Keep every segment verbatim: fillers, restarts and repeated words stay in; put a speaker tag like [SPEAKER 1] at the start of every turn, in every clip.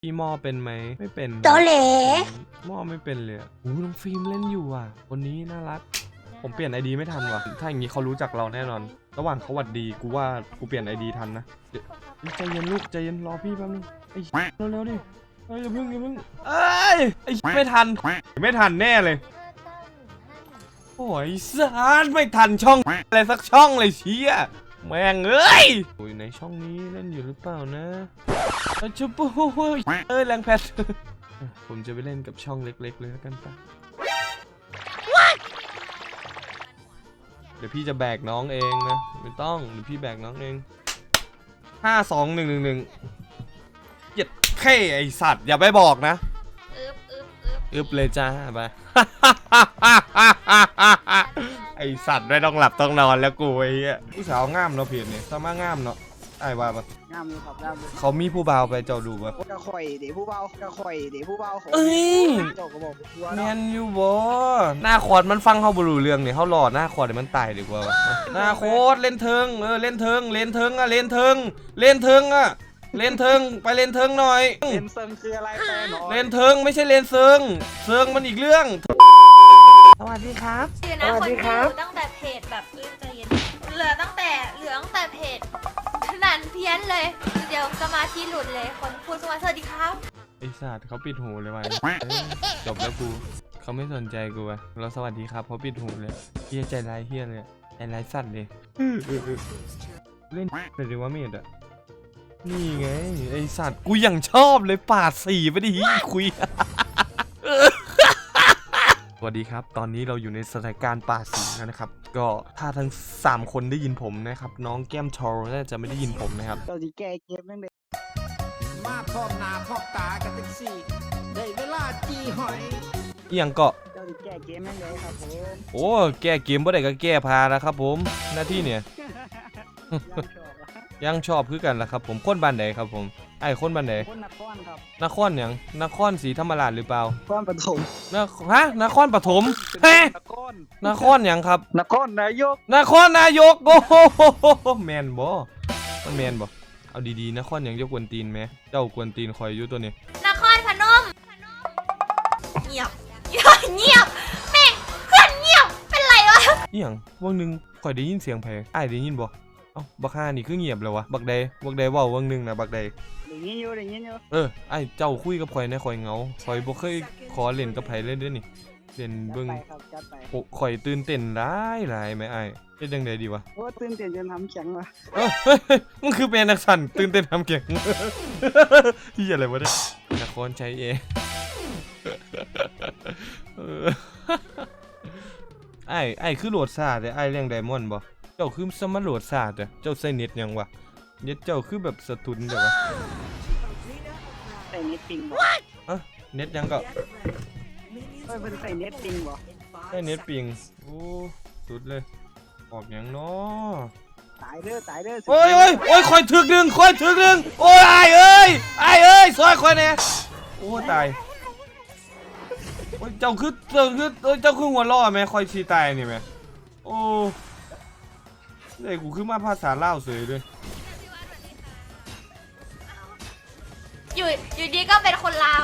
[SPEAKER 1] พี่หม้อเป็นไหมไม่เป็น
[SPEAKER 2] โตเหล
[SPEAKER 1] หม้อไม่เป็นเลยอู้น้องฟิล์มเล่นอยู่อ่ะคนนี้น่ารักผมเปลี่ยนไอดีไม่ทันว่ะถ้าอย่างนี้เขารู้จักเราแน่นอนระหว่างเขาหวัดดีกูว่ากูเปลี่ยนไอดีทันนะใจเย็นลูกใจเย็นรอพี่แป๊บนึงไอ้เร็วๆดิเอ้ยอย่าเพิ่งอย่าเพิ่งเอ้ยไอ้ไม่ทันไม่ทันแน่เลยโอ้ยสารไม่ทันช่องอะไรสักช่องเลยเชี่ยแม่งเอ้ยโอ้ยในช่องนี้เล่นอยู่หรือเปล่านะชุบโอ้ยเอ้ยแรงแพทผมจะไปเล่นกับช่องเล็กๆเลยแล้วกันปะเดี๋ยวพี่จะแบกน้องเองนะไม่ต้องเดี๋ยวพี่แบกน้องเองห้าสองหนึ่งหนึ่งหนึ่งเหยียดเข่ไอสัตว์อย่าไปบอกนะอึบอึบอึบอึบเลยจ้าไปไอสัตว์ไม่ต้องหลับต้องนอนแล้วกูไอ้เหี้ยผู้สาวง่ามเนาะเพียรเนี่ยสามารถง่ามเนาะไอ้ว่าปะ
[SPEAKER 3] งามเลยครับงามเลย
[SPEAKER 1] เขามีผู้บ่าวไปเจ้าดูปะ
[SPEAKER 3] กระข่อยเดี๋ยวผู้เบากระข่อยเดี๋ยวผู้เบาของ
[SPEAKER 1] เอ้ย
[SPEAKER 3] เจ้าก็บอกตัว
[SPEAKER 1] แม
[SPEAKER 3] เนาะ
[SPEAKER 1] นยูบอหน้าคอร์ดมันฟังเขาบรูเรื่องเนี่ยเขาหลอดหน้าคอร์ดเดี๋ยวมันตายดีกว่าวะหน้าโคตรเล่นเทิงเออเล่นเทิงเล่นเทิงอะเล่นเทิงเล่นเทิงอะเล่นเทิงไปเล่นเทิงหน่อย
[SPEAKER 3] เลนเซิงคืออะไรแฟนหน่อย
[SPEAKER 1] เล่นเทิงไม่ใช่เล่นเซิงเซิงมันอีกเรื่องสวัสดีครับ
[SPEAKER 2] คือนะคนดูตั้งแต่เพจแบบเอ้ยใจเย็นเหลือตั้งแต่เหลือตั้งแต่เพจนั่นเพี้ยนเลยเดี๋ยวสมาธิหลุดเลยคนพูดสวัสดีครับ
[SPEAKER 1] ไอสัตว์เขาปิดหูเลยวันจบแล้วกูเขาไม่สนใจกูวะเราสวัสดีครับเขาปิดหูเลยเฮียใจร้ายเฮียเลยใจร้ายสัตว์เลยเล่นเลยดีว่าเมดอะนี่ไงไอสัตว์กูยังชอบเลยปาดสีไปดิคุยสวัสดีครับตอนนี้เราอยู่ในสถานการณ์ปาดสีแล้วนะครับก็ถ้าทั้งสามคนได้ยินผมนะครับน้องแก้มทอร์น่าจะไม่ได้ยินผมนะครับ
[SPEAKER 3] เจ้าจีแก้เกมนั่งเด็ก
[SPEAKER 4] มาพร้อมหน้าพร้อมตากันทั้งสี่ได้เวลาจีหอย
[SPEAKER 1] อีหยังเกาะ
[SPEAKER 3] เจ้าจีแก้เกมนั่งเด็กครับผม
[SPEAKER 1] โอ้แก้เกมบ่ได้ก็แก้พานะครับผมหน้าที่เนี่ย ยังชอบคือกันล่ะครับผมคนบ้านไหนครับผมไอ้คนบ้านไหน
[SPEAKER 3] คนนครครับ
[SPEAKER 1] นครหยังนครศรีธรรมราชหรือเปล่าน
[SPEAKER 3] ครปฐม
[SPEAKER 1] นฮะนครปฐมเฮ้
[SPEAKER 3] นคร
[SPEAKER 1] นครหยังครับ
[SPEAKER 3] นครนายก
[SPEAKER 1] นครนายกโอ้โหแมนบ่มันแมนบ่เอาดีๆนครหยังจะกวนตีนไหมเจ้ากวนตีนคอยอยู่ตัวนี้
[SPEAKER 2] นครพนมเงียบเงียบแม่งเพื่อนเงียบเป็นไรวะ
[SPEAKER 1] อีหยังวันหนึ่งคอยได้ยินเสียงไผไอ้ได้ยินบ่เอ้าบักห่านี่คือเงียบเลยวะบักใดบักใดเว้าวันหนึ่งนะบักใด
[SPEAKER 3] ได้ยินอยู่ได้ยินอยู่
[SPEAKER 1] เออไอ้เจ้าคุยกับข่อยในข่อยเหงาข่อยบ่เคยขอเล่นกับไผเลยเด้อนี่เล่นเบิ่งโอ้ข่อยตื่นเต้นหลายหลายแม่ไอ้เฮ็ดจังได๋ดีวะ
[SPEAKER 3] โอ้ตื่นเต้นจนทำแข็งว่ะ
[SPEAKER 1] เออมึงคือเป็นนักสั่นตื่นเต้นทำแข็งเหี้ยอะไรวะเนี่ยนครชัยเองไอ้ไอ้คือโหลดซ่าแต่ไอ้เลี้ยงไดมอนด์บ่เจ้าคือสมาโหลดซ่าแต่เจ้าใช้เน็ตยังวะเน็ตเจ้าคือแบบสะทุนเด้อวะ
[SPEAKER 3] ใส่เน็ตปิงบ่
[SPEAKER 1] อะเน็ตยังก็
[SPEAKER 3] เฮ้ยเป็นใส่เน็ตปิงบ่
[SPEAKER 1] ใช้เน็ตปิงโอ้สุดเลยออกยังเนาะ
[SPEAKER 3] ตายเด้อตายเด้อ
[SPEAKER 1] โอ้ยโอ้ยโอ้ยคอยถึกดึงคอยถึกดึงโอ้ยไอ้เอ้ยไอ้เอ้ยซอยคอยเนี่ยโอ้ตายโอ้ยเจ้าคือเจ้าคือเจ้าคือหัวล้อไหมคอยชีตายนี่ไหมโอ้เด็กกูคือมาภาษาลาวเสยเลย
[SPEAKER 2] อยู่อยู่ดีก็เป็นคนลาว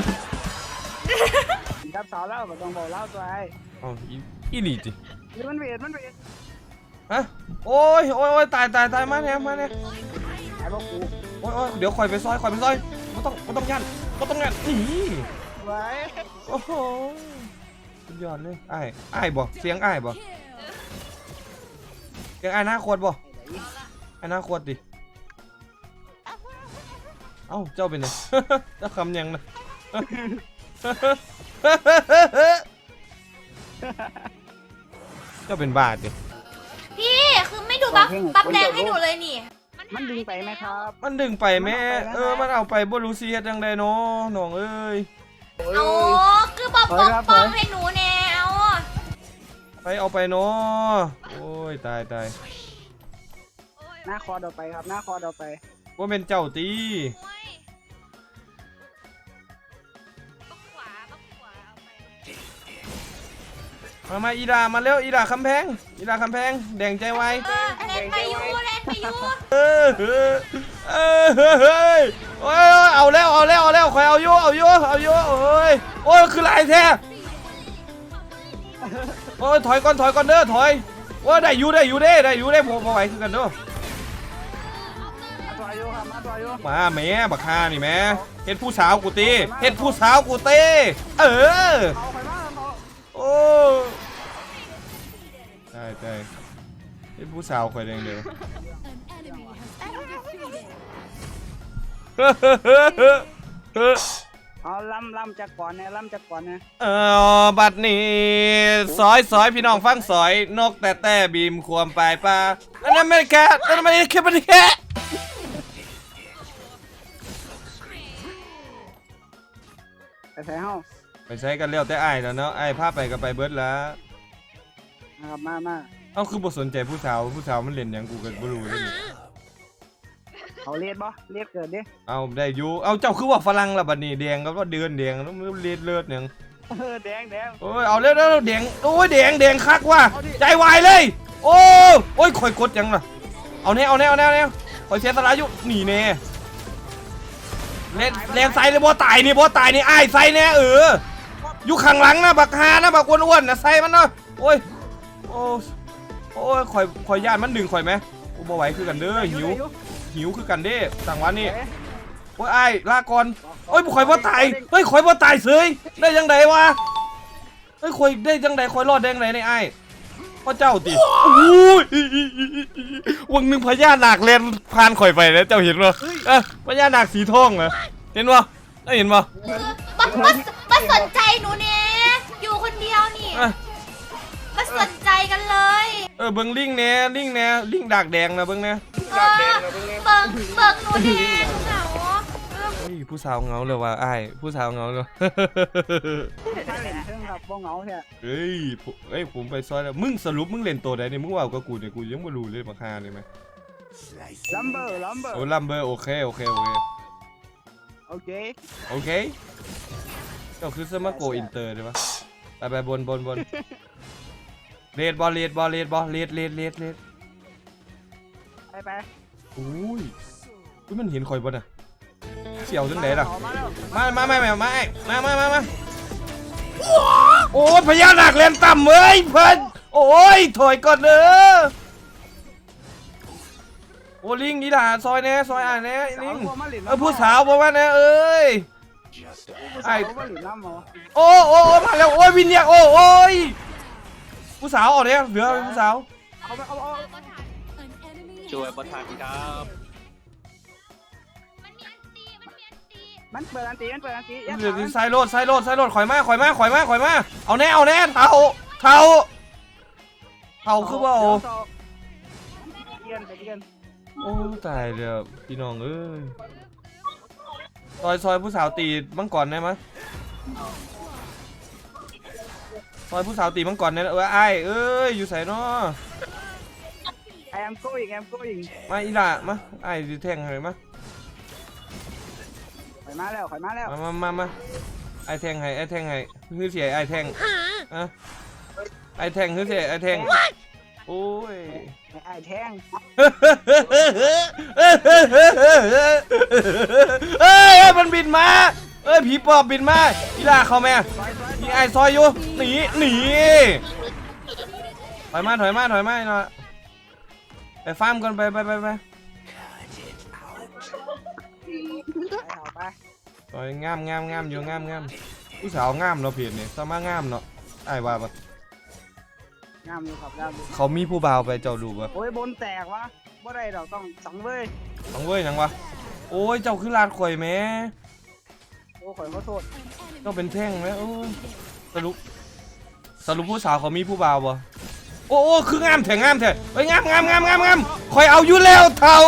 [SPEAKER 3] กับสาวเล่าแบบต้องบอกเล่าตัวไอ้
[SPEAKER 1] อ๋ออีหลีจิ
[SPEAKER 3] มันเวทมันเวท
[SPEAKER 1] ฮะโอ้ยโอ้ยโอ้ยตายตายตายมาเนี่ยมาเนี่ย
[SPEAKER 3] ไอ้พวกกู
[SPEAKER 1] โอ้ยโอ้ยเดี๋ยวคอยไปซอยคอยไปซอยไม่ต้องไม่ต้องยันไม่ต้องยันนี่
[SPEAKER 3] ไว้
[SPEAKER 1] โอ้โหสุดยอดเลยไอ้ไอ้บ่เสียงไอ้บ่เสียงไอ้หน้าโคตรบ่ไอ้หน้าโคตรดิเอ้าเจ้าเป็นไงเจ้าคำยังนะเจ้าเป็นบาทดิ
[SPEAKER 2] พี่คือไม่ดูบัฟบัฟแดงให้หนูเลยนี่
[SPEAKER 3] มันดึงไปไหมครับ
[SPEAKER 1] มันดึงไปแม่เออมันเอาไปบ่รู้สิเฮ็ดจังได๋เนาะน้องเอ้ย
[SPEAKER 2] โอ้คือบอกปกป้องให้หนูแนว
[SPEAKER 1] ไปเอาไปเนาะโอ้ยตายตาย
[SPEAKER 3] หน้าคอเอาไปครับหน้าคอเอาไป
[SPEAKER 1] ว่าเป็นเจ้าตีมามาอีดามาเร็วอีดาคำแพงอีดาคำแพงแดงใจไว
[SPEAKER 2] เล่นไปยูเล่นไปยู
[SPEAKER 1] เออเออเฮ้ยโอ้ยเอาแล้วเอาแล้วเอาแล้วคอยเอาโยเอาโยเอาโยโอ้ยโอ้ยคือลายแท้โอ้ยถอยก่อนถอยก่อนเด้อถอยว่าได้อยู่ได้อยู่ได้ได้อยู่ได้ผมพอไหวคือกันเด้อ
[SPEAKER 3] มาตัวอายุครับมาตัวอายุ
[SPEAKER 1] มาแม่บักฮานี่แม่เฮ็ดผู้สาวกูตีเฮ็ดผู้สาวกูตีเออ
[SPEAKER 3] เอาไปมาเอา
[SPEAKER 1] โอ้ใช่ใช่เฮ็ดผู้สาวคอยแดงเดียว
[SPEAKER 3] เอาลำลำจากก่อนเนี่ยลำจากก่อนเนี่ย
[SPEAKER 1] เออบัดนี้ซอยซอยพี่น้องฟังซอยนกแต่แต่บีมควมปลายปลาอันนั้นไม่แค่อันนั้นไม่แค่ไม่แค่
[SPEAKER 3] ไปใส่ห้อง
[SPEAKER 1] ไปใช้กันเลี้ยวแต่ไอ้ายแล้วเนาะไอ้ายพาไปก็ไปเบิดแล้ว
[SPEAKER 3] นะครับมามา
[SPEAKER 1] เอ้าคือบ่สนใจผู้สาวผู้สาวมันเล่นหยังกูก็บ่รู้เลยนี่
[SPEAKER 3] เขาเลียดบ่เลียดเกิดดิ
[SPEAKER 1] เอาได้อยู่เอาเจ้าคือว่าฝรั่งละบัดนี้แดงก็ว่าเดือนแดงแล้วมันเลือดเลือดหยัง
[SPEAKER 3] เออแดงแดง
[SPEAKER 1] โอ้ยเอาเร็วเร็วแดงโอ้ยแดงแดงคักว่ะใจวายเลยโอ้โอ้ยข่อยกดยังล่ะเอาแน่เอาแน่เอาแน่เอาแน่ข่อยเสียสละอยู่หนีแน่เล่นเล่นใส่เลยบ่ตายนี่บ่ตายนี่อ้ายใส่แน่เอออยู่ข้างหลังนะบักฮานะบักอ้วนๆนะใส่มันเนาะโอ้ยโอ้โอ้ยข่อยข่อยย่านมันดึงข่อยไหมโอ้บ่ไหวคือกันเด้อหิวหิวคือกันเด้สั่งวันนี้โอ้ยอ้ายลาก่อนโอ้ยข่อยบ่ตายเฮ้ยข่อยบ่ตายเสยได้ยังไงวะเฮ้ยข่อยได้ยังไงข่อยรอดได้ยังไงในอ้ายพ่อเจ้าติโอ้ยวังหนึ่งพญานาคเลนผ่านข่อยไปแล้วเจ้าเห็นป่ะเออพญานาคสีทองเหรอเห็นป่ะได้เห็นป่ะ
[SPEAKER 2] มามามาสนใจหนูเนี่ยอยู่คนเดียวนี่
[SPEAKER 1] อ่ะ
[SPEAKER 2] มาสนใจกันเลย
[SPEAKER 1] เออเบิ้งลิงเนี่ยลิงเนี่ยลิงดากแดงนะเบิ้งเนี่ย
[SPEAKER 2] เออเบิกเบิกหนูเนี่ยเหงาเออ
[SPEAKER 1] เฮ้ยผู้สาวเหงาเลยว่ะอ้ายผู้สาวเหงาเลย
[SPEAKER 3] ถ้าเล่นเครื่องครับบ่เหงาแท้
[SPEAKER 1] เฮ้ยผมเฮ้ยผมไปซอยแล้วมึงสรุปมึงเล่นตัวใดเนี่ยมึงว่ากับกูเนี่ยกูยังไม่รู้เลยมาคาเลยไหม
[SPEAKER 3] ลัมเบอร์ลัมเบอร์
[SPEAKER 1] โอ้ลัมเบอร์โอเคโอเคโอเค
[SPEAKER 3] โอเค
[SPEAKER 1] โอเคเจ้าคือสมาโกอินเตอร์ได้ปะไปไปบนบนบนเลดบอลเลดบอลเลดบอลเลดเลดเลดเลด
[SPEAKER 3] ไปไป
[SPEAKER 1] อุ้ยอุ้ยมันเห็นคอยบนอ่ะเสี่ยวจังไหนล่ะ
[SPEAKER 3] มาแล้ว
[SPEAKER 1] มามามามามามามามามาโอ้ยพญานาคเล่นต่ำเว้ยเพิ่นโอ้ยถอยก่อนเด้อโอ้ลิงนี่ล่ะซอยแน่ซอยอ่านแน่ลิงเออผู้สาวบอกว่าแน่เอ้ย
[SPEAKER 3] ไอ้ผู้สาวมาหลินน้ำหมอ
[SPEAKER 1] โอ้โอ้โอ้มาแล้วโอ้ยวินเนี่ยโอ้โอ้ยผู้สาวออกเนี่ยเหลือผู้สาว
[SPEAKER 3] เอาไปเอาเอา
[SPEAKER 5] ช่วยประทานครับ
[SPEAKER 2] มันมีอันตีมันมีอันตี
[SPEAKER 3] มันเปิดอันตีมันเปิดอันตี
[SPEAKER 1] เหลือไซโรดไซโรดไซโรดข่อยมาข่อยมาข่อยมาข่อยมาเอาแน่เอาแน่เท่าเท่าเท่าคือว่าโอ้
[SPEAKER 3] เกียนไปเกียน
[SPEAKER 1] โอ้ตายเดี๋ยวพี่น้องเอ้ยซอยซอยผู้สาวตีมังกรได้ไหมซอยผู้สาวตีมังกรได้เออไอ้เอ้ยอยู่ใส่เนาะ
[SPEAKER 3] ไอแอมโก้อีกแอมโก้อีก
[SPEAKER 1] มาอีล่ะมาไอ้ดิแทงให้มา
[SPEAKER 3] ข่อยมาแล้วข่อยมาแล้ว
[SPEAKER 1] มามามามาไอ้แทงให้ไอ้แทงให้คือเสียไอ้แทงอะไอ้แทงคือเสียไอ้แทงโอ้ย
[SPEAKER 3] ไอ้แทง
[SPEAKER 1] เอ้ยมันบินมาเอ้ยผีปอบบินมาอีล่าเข้าแม่มีไอ้ซอยอยู่หนีหนีถอยมาถอยมาถอยมาหน่อยไปฟาร์มกันไปไปไปไป
[SPEAKER 3] ไป
[SPEAKER 1] ซอยงามงามงามอยู่งามงามผู้สาวงามเนาะเพียรเนี่ยสามารถงามเนาะไอ้ว่าปะ
[SPEAKER 3] งามอยู่ครับงามอยู่
[SPEAKER 1] เขามีผู้บ่าวไปเจ้าดูปะ
[SPEAKER 3] โอ้ยบนแตกวะบ่ได้ดอกต้องสังเว้ย
[SPEAKER 1] ต้องเว้ยยังวะโอ้ยเจ้าคือลาดข่อยแม่
[SPEAKER 3] โอ้ข่อยขอโทษ
[SPEAKER 1] เจ้าเป็นแท่งไหมโอ้ยสรุปสรุปผู้สาวเขามีผู้บ่าวปะโอ้โอ้คืองามแถงงามแถงเฮ้ยงามงามงามงามงามคอยเอาอยู่แล้วเท่า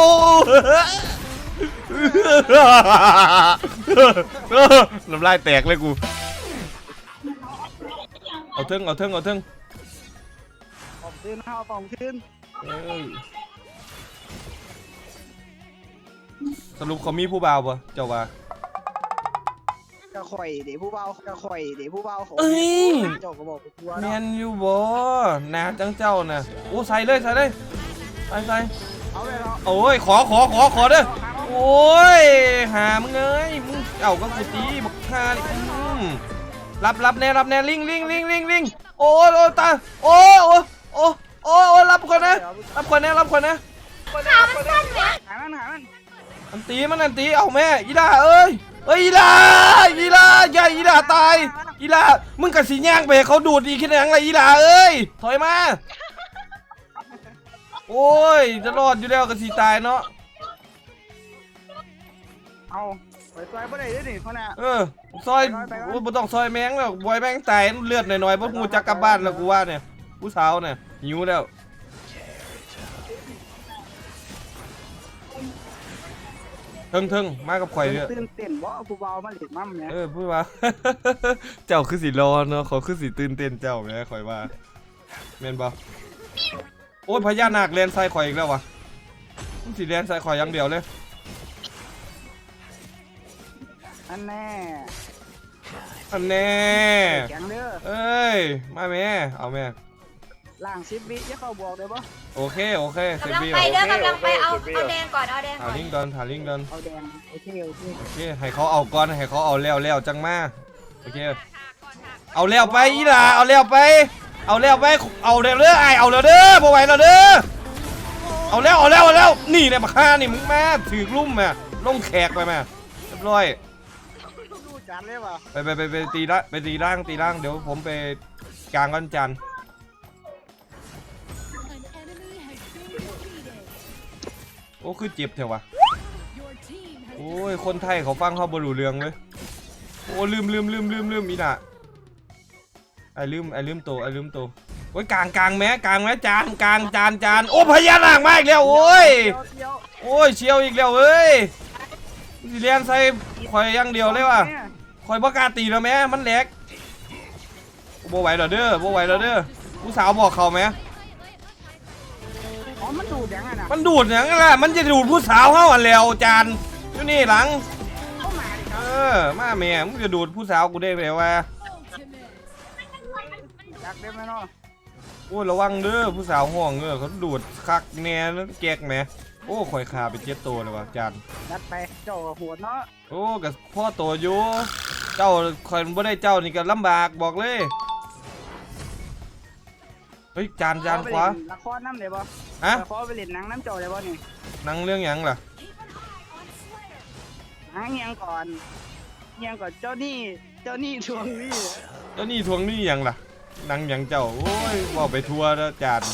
[SPEAKER 1] น้ำลายแตกเลยกูเอาเทิงเอาเทิงเอาเทิง
[SPEAKER 3] ปอมขึ้นเอาปอมขึ้น
[SPEAKER 1] เอ้ยสรุปเขามีผู้บ่าวปะเจ้าว่า
[SPEAKER 3] กระข่อยเดี๋ยวผู้เบากระข่อยเดี๋ยวผู้เบาของ
[SPEAKER 1] เอ้ย
[SPEAKER 3] เจ้าก็บอกไปทัวร์
[SPEAKER 1] แม
[SPEAKER 3] เนาะ
[SPEAKER 1] นอยู่บ่นาจังเจ้าน่ะโอ้ใส่เลยใส่เลยใส่ใส่
[SPEAKER 3] เอาเลยเนาะ
[SPEAKER 1] โอ้ยขอขอขอขอเด้อโอ้อ้ยหามึงเอ้ยมึงเอาก็กูตีบักฮานี่อืมรับรับแน่รับแน่ลิงลิงลิงลิงลิงโอ้ยโอ้ยตาโอ้ยโอ้ยโอ้ยโอ้ยโอ้ยรับคนนะรับคนนะรับคนนะ
[SPEAKER 2] ขามันสั้นไหม
[SPEAKER 3] หามันหามัน
[SPEAKER 1] อันตีมันอันตีเอาแม่อีดาเอ้ยเอ้ยอีดาอีดาใหญ่อีดาตายอีดามึงกับสีย่างไปให้เขาดูดอีกแค่ไหนอะไรอีดาเอ้ยถอยมาโอ้ยจะรอดอยู่แล้วกับสีตายเนาะ
[SPEAKER 3] เอาไปซอยบ่ได้เด้อนี่พ่อน่ะ
[SPEAKER 1] เออซอยโอ้ยบ่ต้องซอยแมงแล้วบอยแมงตายเลือดหน่อยๆเพราะกูจะกลับบ้านแล้วกูว่าเนี่ยผู้สาวเนี่ยหิวแล้วเทิงเทิงมากับข่อยเนี่ย
[SPEAKER 3] ตื่นเต้นบ่ผู้เบามาเล่นมั่มเนี่ย
[SPEAKER 1] เออพูดว่า เจ้าคือสีรอเนาะเขาคือสีตื่นเต้นเจ้าแม่ข่อยว่าแม่นบ่โอ้ยพญานาคแลนใส่ข่อยอีกแล้ววะมันสีแลนใส่ข่อยอย่างเดียวเลย
[SPEAKER 3] อันแน่
[SPEAKER 1] อันแน่
[SPEAKER 3] แข็งเด้อ
[SPEAKER 1] เอ้ยมาแม่เอาแม่
[SPEAKER 3] ล่างสิบวิอย่าเข้าบอกได้บ่
[SPEAKER 1] โอเคโอเคเซ
[SPEAKER 2] กำลัง
[SPEAKER 1] บี
[SPEAKER 2] ไปเด้อกำลังไปเอาเอาแดงก่อนเอาแดง
[SPEAKER 1] ถา
[SPEAKER 2] ก่อน
[SPEAKER 1] ลิงดอนถาลิงดอน
[SPEAKER 3] เอาแดงโอเคโอเค
[SPEAKER 1] โอเคให้เขาเอาก่อนให้เขาเอาแล้วแล้วจังมาโอเคเอาแล้วไปอีหล่าเอาแล้วไปเอาแล้วไปเอาแล้วเด้อไอเอาแล้วเด้อบ่ไหวแล้วเด้อเอาแล้วเอาแล้วเอาแล้วนี่เนี่ยมาฆ่านี่มึงมาถือลุ่มมาลงแขกไปมาเรียบร้อย
[SPEAKER 3] ดูจานเลยว่ะ
[SPEAKER 1] ไปไปไปไปตีละไปตีร่างตีร่างเดี๋ยวผมไปกลางก้อนจันทร์โอ้คือเจ็บเถอะวะโอ้ยคนไทยเขาฟังเขาบรูเรืองเลยโอ้ลืมลืมลืมลืมลืมอีน่ะไอ้ลืมไอ้ลืมโตไอ้ลืมโตโอ้ยกลางกลางแม้กลางแม้จานกลางจานจานโอ้พญานาคมาอีกแล้วโอ้ย
[SPEAKER 3] เดี๋ยว
[SPEAKER 1] โอ้ยเชียวอีกแล้วเอ้ยสิเลียนใส่ข่อยอย่างเดียวเลยว่ะข่อยบ่กล้าตีแล้วแม่มันแหลกบ่ไหวแล้วเด้อบ่ไหวแล้วเด้อผู้สาวบอกเขาไหม
[SPEAKER 3] อ๋อมันดูดยังไงน่ะ
[SPEAKER 1] มันดูดอย่างนั้นแหละมันจะดูดผู้สาวเฮาอันแล้วจานอยู่นี่หลัง
[SPEAKER 3] เข้ามาดิค
[SPEAKER 1] เอ
[SPEAKER 3] รับ
[SPEAKER 1] อมาแม่มึงจะดูดผู้สาวกูได้ไหมวะ
[SPEAKER 3] อยากได้ไหมเนาะ
[SPEAKER 1] โอ้ยระวังเด้อผู้สาวห่วงเออเขาดูดคักแน่แล้วแกกแหมโอ้ข่อยขาไปเจ็ดตัวเลยว่ะจาน
[SPEAKER 3] ยัดไปเจ้าหัวเนาะ
[SPEAKER 1] โอ้กับพ่อโตอยู่เจ้าข่อยบ่ได้เจ้านี่ก็ลำบากบอกเลยเฮ้ยจานจานขวา
[SPEAKER 3] ละครน้ำเลยบ่
[SPEAKER 1] ฮะ
[SPEAKER 3] ละครไปเล่นหนังน้ำเจ้าเลยบ่นี่
[SPEAKER 1] หนังเรื่องหยังล่ะ
[SPEAKER 3] หาเงียงก่อนเงียงก่อนเจ้านี่เจ้านี่ทวงนี่
[SPEAKER 1] เจ้านี่ทวงหนี่หยังล่ะหนังหยังเจ้าโอ้ยว่าไปทัวร์แล้วจาน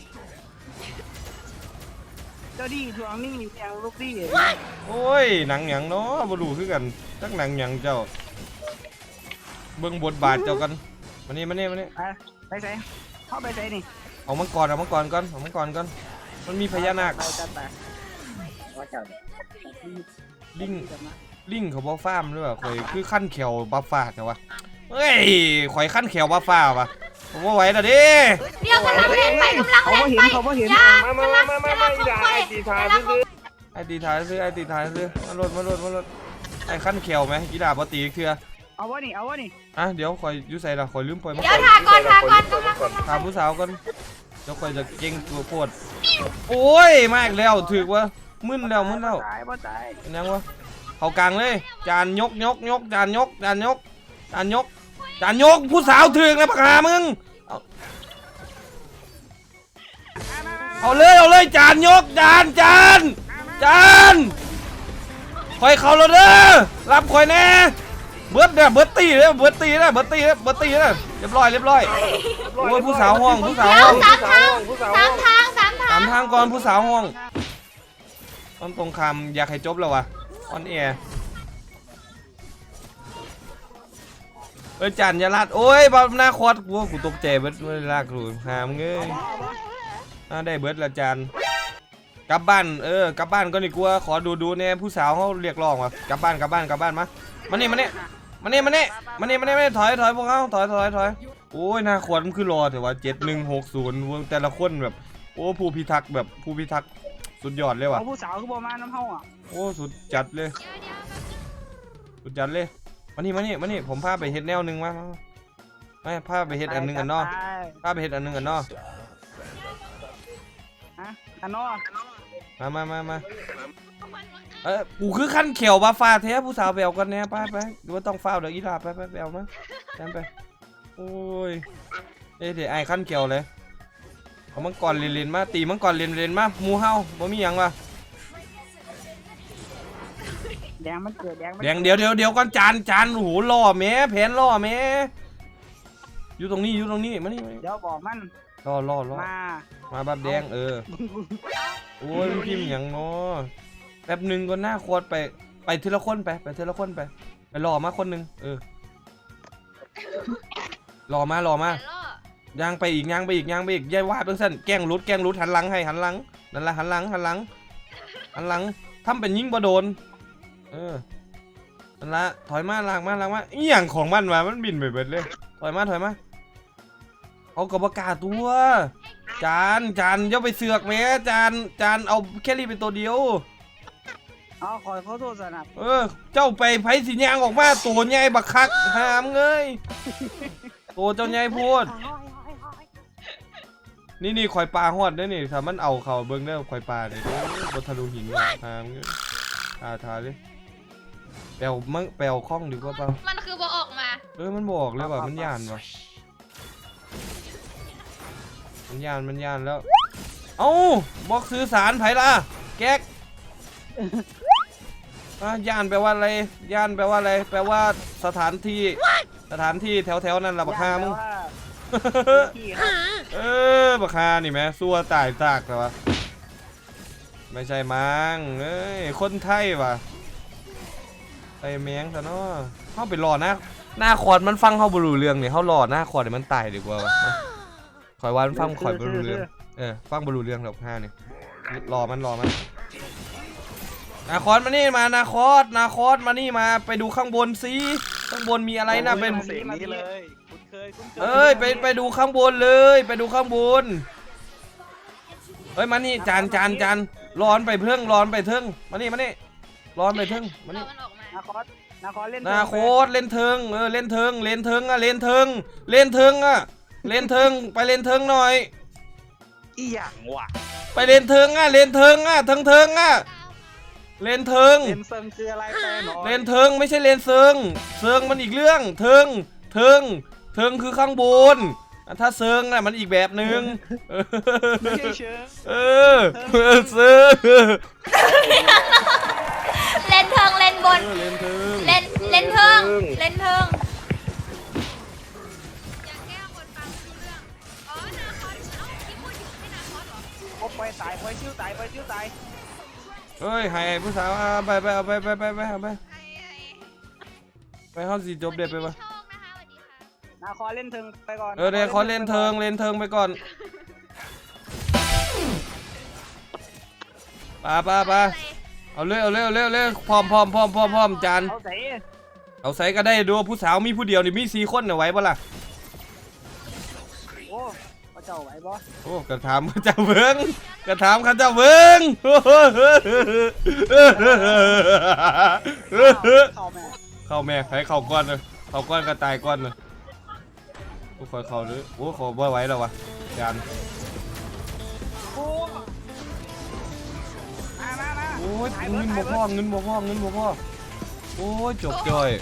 [SPEAKER 3] เจ้านี่ทวงนี่เงียงลูกนี่
[SPEAKER 1] โอ้ยหนังหยังเนาะบ่รู้คือกันจักหนังหยังเจ้าเบิ่งบทบาทเจ้ากันมานี่มานี่มานี่
[SPEAKER 3] ไปไปใส่เข้าไปใส่นี่
[SPEAKER 1] เอามังกรเอามังกรก่อนเอามังกรก่อนมันมีพญานาค
[SPEAKER 3] เราจัดไปว่าเจ้า
[SPEAKER 1] ลิงลิงเขาบ่ฟาร์มหรือเปล่าข่อยคือขั้นแขวบัฟฟ้าแต่ว่าเฮ้ยข่อยขั้นแขวบัฟฟ้าวะผมบ่ไหวแล้วเด้
[SPEAKER 2] เดี๋ยวกำลังเล่นไปกำลัง
[SPEAKER 3] เขา
[SPEAKER 2] เล่น
[SPEAKER 3] เห็น
[SPEAKER 2] ไป
[SPEAKER 3] เขาเห็น
[SPEAKER 2] อย่า
[SPEAKER 5] มามามามามาอีด่าไอตีทายซื้อ
[SPEAKER 1] ไอ้ตีท้ายซื้อไอ้ตีท้ายซื้อมาลดมาลดมาลดไอ้ขั้นแขวไหมกีฬาบ่ตีอีกเทื่อ
[SPEAKER 3] เอาวะนี่เอาวะนี่
[SPEAKER 1] อ่ะเดี๋ยวข่อยอยู่ใส่ละข่อยลืมปล่อยมัง
[SPEAKER 2] เดี๋
[SPEAKER 1] ก
[SPEAKER 2] ยว
[SPEAKER 1] ร
[SPEAKER 2] ทาก่อนทาก่อนกำลังกำลัง
[SPEAKER 1] ถามผู้สาวก่อนเดี๋ยวข่อยจะเก่งตัวโคตรโอ้ยมาอีกแล้วถึกวะมึนแล้วมึนแล้ว
[SPEAKER 3] ตายบ่ตาย
[SPEAKER 1] เป็นยังวะเขากลางเลยจานยกยกยกจานยกจานยกจานยกจานยกผู้สาวถึกนะปากกามึงเอาเอาเลยเอาเลยจานยกจานจานจานคอยเขาแล้วเด้อรับคอยแน่เบิร์ดเนี่ยเบิร์ดตีเลยเบิร์ดตีเลยเบิร์ดตีเลยเบิร์ดตีเลยเรียบร้อยเรียบร้อยโอ้ยผู้สาวห้องผู้สาว
[SPEAKER 2] เดี๋ย
[SPEAKER 1] ห้
[SPEAKER 2] ว
[SPEAKER 1] อง
[SPEAKER 2] สามทางสามทางสามทา
[SPEAKER 1] ถาง มทางก่อนผู้สาวห้องตอนตรงคำอยากให้จบแล้ววะออนแอร์เอ้ยจันอยาลาดโอ้ยบอลหน้าคอดกูกูตกใจเบิร์ดเวลากูหามเงยอ่าได้เบิร์ดละจันกลับบ้านเออกลับบ้านก็ดีกว่าขอดูดูเนี่ยผู้สาวเขาเรียกร้องว่ะกลับบ้านกลับบ้านกลับบ้านมามานี่มานี่มานี่มานี่มานี่มานี่มานี่ถอยถอยพวกเขาถอยถอยถอยโอ้ยหน้าขวดมันคือรอแต่ว่าเจ็ดหนึ่งหกศูนย์แต่ละคนแบบโอ้ผู้พิทักษ์แบบผู้พิทักษ์สุดยอดเลยว่ะ
[SPEAKER 3] เอาผู้สาวคือบ่มาน้ำเฮาอ่ะ
[SPEAKER 1] โอ้สุดจัดเลยสุดจัดเลยมานี่มานี่มานี่ผมพาไปเฮ็ดแนวหนึ่งมามาไม่พาไปเฮ็ดอันหนึ่งอันนอกพาไปเฮ็ดอันหนึ่งอันนอก
[SPEAKER 3] ฮะอันนอก
[SPEAKER 1] มามามามาเออกูคือขั้นเขียวบาฟ้าแท้ผู้สาวแบวกันแน่ไปไปดูว่าต้องเฝ้าเดี๋ยวอีลาไปไปแบวมาแทนไปโอ้ยเอ้เดี๋ยวไอ้ขั้นเขียวเลยเอามังกรเลนๆมาตีมังกรเลนๆมาหมูเฮาบ่มีหยังวะ
[SPEAKER 3] แดงมันเกิดแดงมัน
[SPEAKER 1] แดงเดี๋ยวเดี๋ยวเดี๋ยวก่อนจานจานโอ้โหล่อแม่แผนล่อแม่อยู่ตรงนี้อยู่ตรงนี้มานี่มานี่
[SPEAKER 3] เดี๋ยวบอกมัน
[SPEAKER 1] ล่อล่อล่อ
[SPEAKER 3] มา
[SPEAKER 1] มาบับแดงเออโอ้ยมันพิมพ์อย่างเนาะแป๊บหนึ่งก็หน้าโคตรไปไปทีละคนไปไปทีละคนไปไปรอมาคนหนึ่งเออรอมารอมา
[SPEAKER 2] แต่ล่อ
[SPEAKER 1] ย่างไปอีกย่างไปอีกย่างไปอีกย่ายว่าเพิ่งสั้นแกล้งรุดแกล้งรุดหันหลังให้หันหลังนั่นละหันหลังหันหลังหันหลังทำเป็นยิงบ่โดนเออนั่นละถอยมาลางมาลางมาอีหยังของมันวะมันบินไปเบิดเลยถอยมาถอยมาเอากระบอกกาตัวจานจานอย่าไปเสือกแม่จานจานเอาแค่รีเป็นตัวเดียว
[SPEAKER 3] เอาขอขอโทษสนับ
[SPEAKER 1] เออเจ้าไปไผสิยางออกมาตัวใหญ่บักคักหามเงยตัวเจ้าใหญ่พูดนี่นี่ข่อยปลาฮอดเด้อนี่ถ้ามันเอาเขาเบิ่งเด้อข่อยปลาเนี่ยบนทะลุหินว่ะหามเงยทาทาเลยแปลวมั่งแปลวคล้องดีกว่าเปล่า
[SPEAKER 2] มันคือบ่ออกมา
[SPEAKER 1] เออมันบอกเลยว่ามันยานว่ะมันยานมันยานแล้วเอ้าบอกสื่อสารไผล่ะแก๊กอ่ะย่านแปลว่าอะไรย่านแปลว่าอะไรแปลว่าสถานที่สถานที่แถวแถวๆนั้นล่ะบักฮามึง
[SPEAKER 3] ที่ครับ
[SPEAKER 1] เออบักฮานี่แม่ซัวตายตากแต่ว่าไม่ใช่มังเอ้ยคนไทยว่ะไอ้แมงซะเนาะเข้าไปรอหน้าหน้าคอร์ดมันฟังเข้าบรูเรื่องเนี่ยเขารอหน้าคอร์ดเดี๋ยวมันตายดีกว่าวะคอยว่ามันฟังคอยบรูเรื่องเออฟังบรูเรื่องแบบห้านี่รอมันรอมันนาคอสมานี่มานาคอสนาคอสมานี่มาไปดูข้างบนสิข้างบนมีอะไรนะเป็น
[SPEAKER 3] เสียงนี้เลยคุ้นเคยคุ้นเคย
[SPEAKER 1] เอ้ยไปไปดูข้างบนเลยไปดูข้างบนเฮ้ยมานี่จานจานจานร้อนไปเพิ่งร้อนไปเทิงมานี่มานี่ร้อนไปเทิงมา
[SPEAKER 2] เรา
[SPEAKER 1] นี่
[SPEAKER 2] มันออกมา
[SPEAKER 3] นาคอสนาคอสเล่น
[SPEAKER 1] นาโคสเล่นเทิงเออเล่นเทิงเล่นเทิงอะเล่นเทิงเล่นเทิงอะเล่นเทิงไปเล่นเทิงหน่อย
[SPEAKER 3] อีหยังวะ
[SPEAKER 1] ไปเล่นเทิงอะเล่นเทิงอะเทิงเทิงอะเล่นเทิง
[SPEAKER 3] เล่นเซิงคืออะไรแปลหน่อย
[SPEAKER 1] เลนเทิงไม่ใช่เลนเซิงเซิงมันอีกเรื่องเทิงเทิงเทิงคือข้างบนอ่ะถ้าเซิงน่ะมันอีกแบบหนึ่ง
[SPEAKER 3] ไม่ใช่เชิง
[SPEAKER 1] เออเออเซิง
[SPEAKER 2] เล่นเทิงเล่นบน
[SPEAKER 1] เออเลนเทิง
[SPEAKER 2] เล่นเล่นเทิงเล่นเทิงอยากแก้คนฟังรู้เรื่องอ๋อนาคอสเอ้าที่พูดอยู่ไม่นาคอสเหรอ
[SPEAKER 3] โอ้ไปตายไปชิวตายไปชิวตาย
[SPEAKER 1] เฮ้ยให้ผู้สาวเอาไปไปเอาไปไปไปไปเอาไป
[SPEAKER 2] ไอ้ไอ้
[SPEAKER 1] ไปห้องสีจบเด็ดไปปะ
[SPEAKER 2] โชคนะคะสวัสดีค่ะ
[SPEAKER 3] นาคอสเล่นเทิงไปก่อน
[SPEAKER 1] เออเดี๋ยวขอเลนเทิงเลนเทิงไปก่อนไป้าป้าป้าเอาเร็วเอาเร็วเร็วเร็วพร้อมพร้อมพร้อมพร้อมพร้อมจาน
[SPEAKER 3] เอาใส่
[SPEAKER 1] เอาใส่ก็ได้ดูผู้สาวมีผู้เดียวนี่มีสี่คนน่ะไหวปะล่ะ
[SPEAKER 3] โอ้พระเจ้าไหวบ่
[SPEAKER 1] โอ้กระถามข้าเจ้าเบิ้งกระถามข้าเจ้าเบิ้ง
[SPEAKER 3] เข้าแม่
[SPEAKER 1] เข้าแม่ให้เข้าก้อนเลยเข้าก้อนก็ตายก้อนเลยโอ้คอยเข้าเลยโอ้ขอบ่ไหวแล้ววะจาน
[SPEAKER 3] โอ้มามามา
[SPEAKER 1] โอ้ยเงินบ่พอเงินบ่พอเงินบ่พอโอ้ยจบจ่อย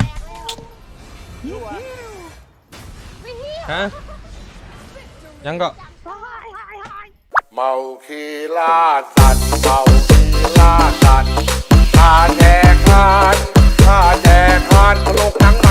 [SPEAKER 1] ฮะยังก็
[SPEAKER 4] เมาคีล่าสัตว์เมาคีล่าสัตว์ข้าแจกทานข้าแจกทานตลกหนัง